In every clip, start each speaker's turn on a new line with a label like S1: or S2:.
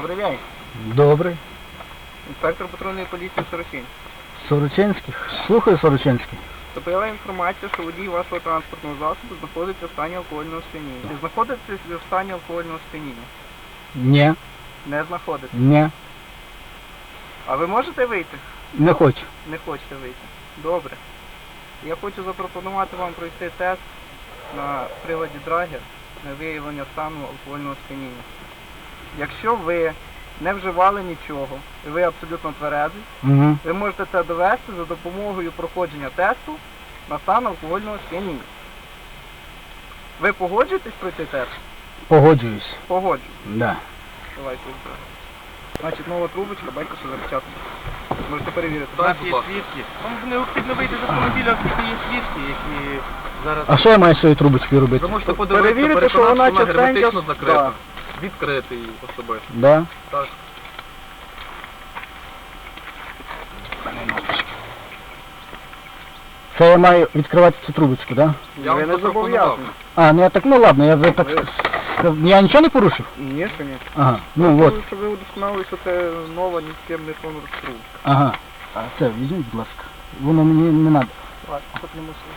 S1: Добрий день.
S2: Добрий.
S1: Інспектор патрульної поліції Сорочинський.
S2: Сорочинський. Слухаю, Сорочинський.
S1: Поступила інформація, що водій вашого транспортного засобу знаходиться в стані алкогольного сп'яніння. Чи знаходитесь ви в стані алкогольного сп'яніння?
S2: Ні.
S1: Не знаходитесь.
S2: Ні.
S1: А ви можете вийти?
S2: Не хочу.
S1: Не хочете вийти. Добре. Я хочу запропонувати вам пройти тест на приладі Драгер на виявлення стану алкогольного сп'яніння. Якщо ви не вживали нічого, і ви абсолютно тверезий,
S2: Угу.
S1: ви можете це довести за допомогою проходження тесту на стан алкогольного сп'яніння. Ви погоджуєтесь пройти тест?
S2: Погоджуюсь.
S1: Погоджуюсь.
S2: Да.
S1: Давайте. Значить, нова трубочка, бачите, що запечатана. Можете перевірити.
S3: У нас є свідки. Вам необхідно вийти з автомобіля, оскільки є свідки, які зараз...
S2: А що я маю з цією трубочкою робити?
S3: Ви можете подивитися,
S1: перевірити, що
S3: переконати,
S1: вона
S3: що вона
S1: частенько-
S3: герметично закрита.
S1: Да.
S3: Відкрити її особисто.
S2: Да.
S3: Так.
S2: Це я маю відкривати цю трубочку, да?
S3: Я
S1: Ви
S3: вам
S1: не
S3: запропонував.
S1: зобов'язані.
S2: А, ну я так, ну ладно, я вже так... Я нічого не порушив?
S1: Ні, що ні.
S2: Ага, ну от.
S1: Щоб ви удосконалили, що це нова, ні з ким не трубка.
S2: Ага. А це візьміть, будь ласка. Воно мені не треба.
S1: Ладно, тут не мусили.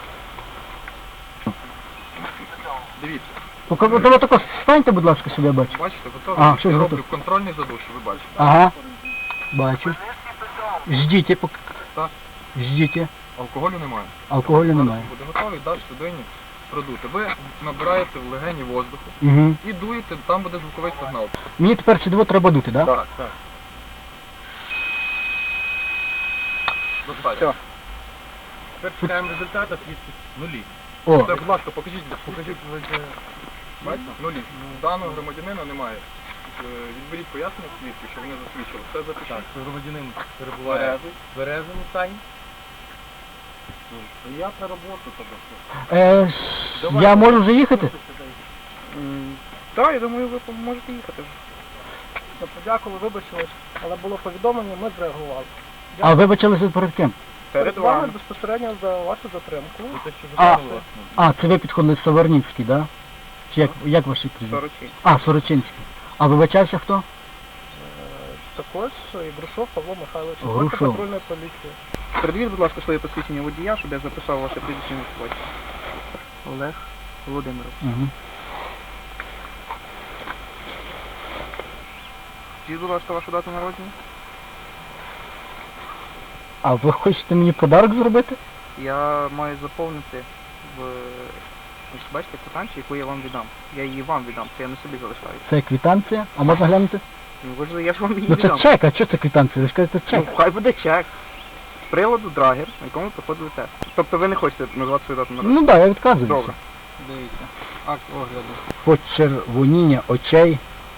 S3: Дивіться,
S2: Поки ви тако станьте, будь ласка, щоб я бачу.
S3: бачите,
S2: А,
S3: готові?
S2: що
S3: Я
S2: ж
S3: роблю
S2: готові?
S3: контрольний задуш, ви бачите.
S2: Ага. Бачу. Ждіть, поки...
S3: Так.
S2: Ждіть.
S3: Алкоголю немає.
S2: Алкоголю
S3: Зараз
S2: немає.
S3: буде готовий, даш людині продути. Ви набираєте в легені воздуху
S2: Угу.
S3: і дуєте, там буде звуковий сигнал.
S2: Мені тепер сюди треба дути, да?
S3: Так, так. Достатньо.
S1: Все.
S3: Тепер чекаємо результату, свідки нулі.
S2: О,
S3: Це, будь ласка, покажіть. Бачите? Нулі. Даного громадянина немає. Відберіть пояснення свідків, що вони засвідчили. Все запишіть.
S4: Громадянин перебуває в березовому стані.
S3: Я на роботу тебе.
S2: я можу вже їхати?
S1: Так, я думаю, ви можете їхати вже.
S5: Подякували, вибачились, але було повідомлення, ми зреагували.
S2: А вибачилися перед ким?
S1: Перед
S5: вами
S1: вами.
S5: безпосередньо за вашу затримку.
S2: А, це ви підходили Саварнівський, да? Чи як ваші прізвище?
S1: Сорочинський.
S2: А, Сорочинський. А вибачався хто?
S5: Також і Грушов Павло Михайлович,
S2: Грушов.
S5: інспектор патрульної поліції.
S1: Передвіть, будь ласка, своє посвідчення водія, щоб я записав ваше прізвище на сході. Олег Володимирович.
S2: Угу.
S1: Скажіть, будь ласка, вашу дату народження?
S2: А ви хочете мені подарок зробити?
S1: Я маю заповнити в... Ось бачите, квитанцію, яку я вам віддам. Я її вам віддам, це я не собі залишаю.
S2: Це квитанція? А можна глянути?
S1: Ну, ви ж, я ж вам її
S2: Ну це
S1: віддам.
S2: чек, а що це квитанція? Ви ж кажете чек.
S1: Ну, хай буде чек. З приладу Драгер, на якому проходили тест. Тобто ви не хочете назвати свою дату народження?
S2: Ну так, я відказуюся.
S1: Добре.
S4: Дивіться. Акт огляду.
S2: Почервоніння очей,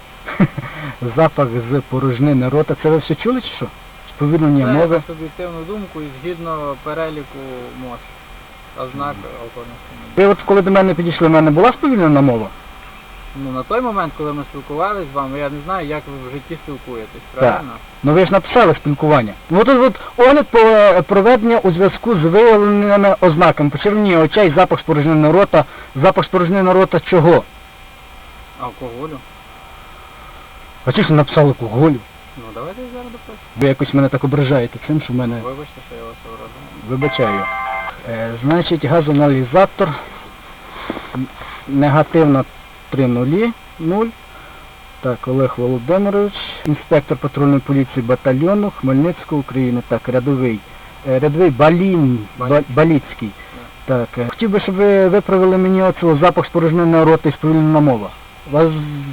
S2: запах з порожнини рота. Це ви все чули чи що? Сповільнення
S4: Це
S2: мови.
S4: на суб'єктивну думку і згідно переліку МОЗ. Ознак алкогольного сп'яніння.
S2: Ви от коли до мене підійшли, в мене була сповільнена мова?
S4: Ну на той момент, коли ми спілкувалися з вами, я не знаю, як ви в житті спілкуєтесь, правильно?
S2: Ну ви ж написали спілкування. Ну от огляд проведення у зв'язку з виявленими ознаками. Почервоніння очей, запах спорожнини рота. Запах спорожнини рота чого?
S4: Алкоголю.
S2: А чи ж ви написали алкоголю?
S4: Ну давайте я зараз допишу.
S2: Ви якось мене так ображаєте цим, що в мене...
S4: Вибачте, що я вас образив.
S2: Вибачаю. Значить, газоаналізатор. Негативно 3,0. Так, Олег Володимирович. Інспектор патрульної поліції батальйону Хмельницького України. Так, рядовий. Рядовий Баліцький. Так, хотів би, щоб ви виправили мені оцього запах спорожненого рота і сповільнена мова. Вас...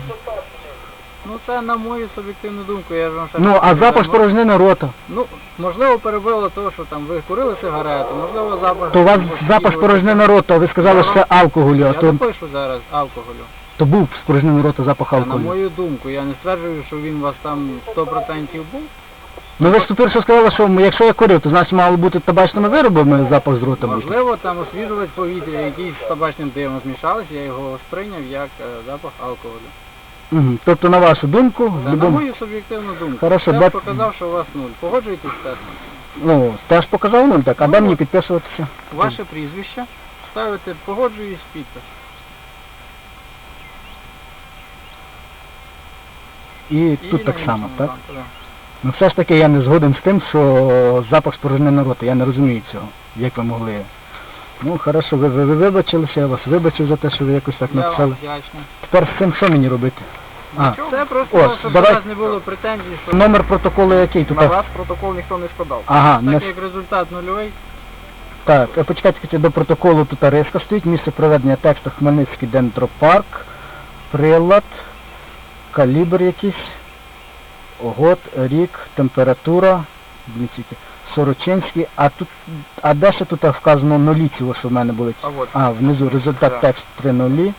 S4: Ну це на мою суб'єктивну думку, я ж вам ще
S2: Ну,
S4: раз
S2: а
S4: кажу,
S2: запах спорожненого рота?
S4: Ну, можливо, перебило того, що там ви курили сигарету, можливо, запах...
S2: То у вас запах спорожненого рота, ви сказали, що це алкоголю,
S4: Я
S2: а то,
S4: допишу зараз алкоголю.
S2: то був спорожнений рота запах
S4: Та, на
S2: алкоголю.
S4: мою думку, я не стверджую, що він у вас там 100% був.
S2: Ну ви ж тепер що сказали, що якщо я курив, то значить мало бути табачними виробами запах з рота був.
S4: Можливо, там освіжувач повітря, який з табачним димом змішався, я його сприйняв як запах алкоголю.
S2: Угу. Тобто, на вашу думку, в
S4: Та, на
S2: любому...
S4: мою суб'єктивну думку.
S2: Хорошо,
S4: Тест
S2: бат-
S4: показав, що у вас 0. Погоджуєтесь з тестом?
S2: Ну, теж показав 0, так, а де
S4: Ну,
S2: мені підписуватися?
S4: Ваше прізвище, ставите погоджуюсь підпис.
S2: і тут так
S4: на
S2: само,
S4: іншому
S2: так?
S4: танку, да.
S2: Ну все ж таки я не згоден з тим, що запах спорожненої роти. Я не розумію цього, як ви могли. Ну, хорошо, ви вибачилися, я вас вибачив за те, що ви якось так
S4: Я вам
S2: написали.
S4: вдячний.
S2: Тепер з цим що мені робити? А,
S4: Це просто,
S2: О,
S4: щоб у
S2: давай.
S4: вас не було претензій, що
S2: номер протоколу який тут?
S1: На вас протокол ніхто не складав.
S2: Ага, не
S4: так як результат нульовий,
S2: так, почекайте, до протоколу тут риска стоїть, місце проведення тексту Хмельницький дендропарк, прилад, калібр якийсь, год, рік, температура, блін, тільки, Сорочинський, а де ще тут вказано нулі цього, що в мене були?
S1: А от.
S2: А, внизу результат
S1: Так.
S2: текст 3 нулі.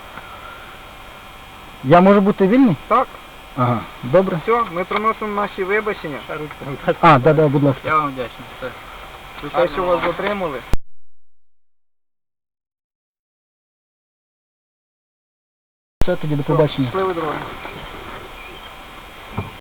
S2: Я можу бути вільний?
S1: Так,
S2: Ага, добре.
S1: все, ми приносимо наші вибачення.
S2: А, да, будь ласка.
S4: я вам вдячний. Все.
S1: За те, що вас затримали.
S2: Все, тоді до побачення.
S1: Щасливої дороги.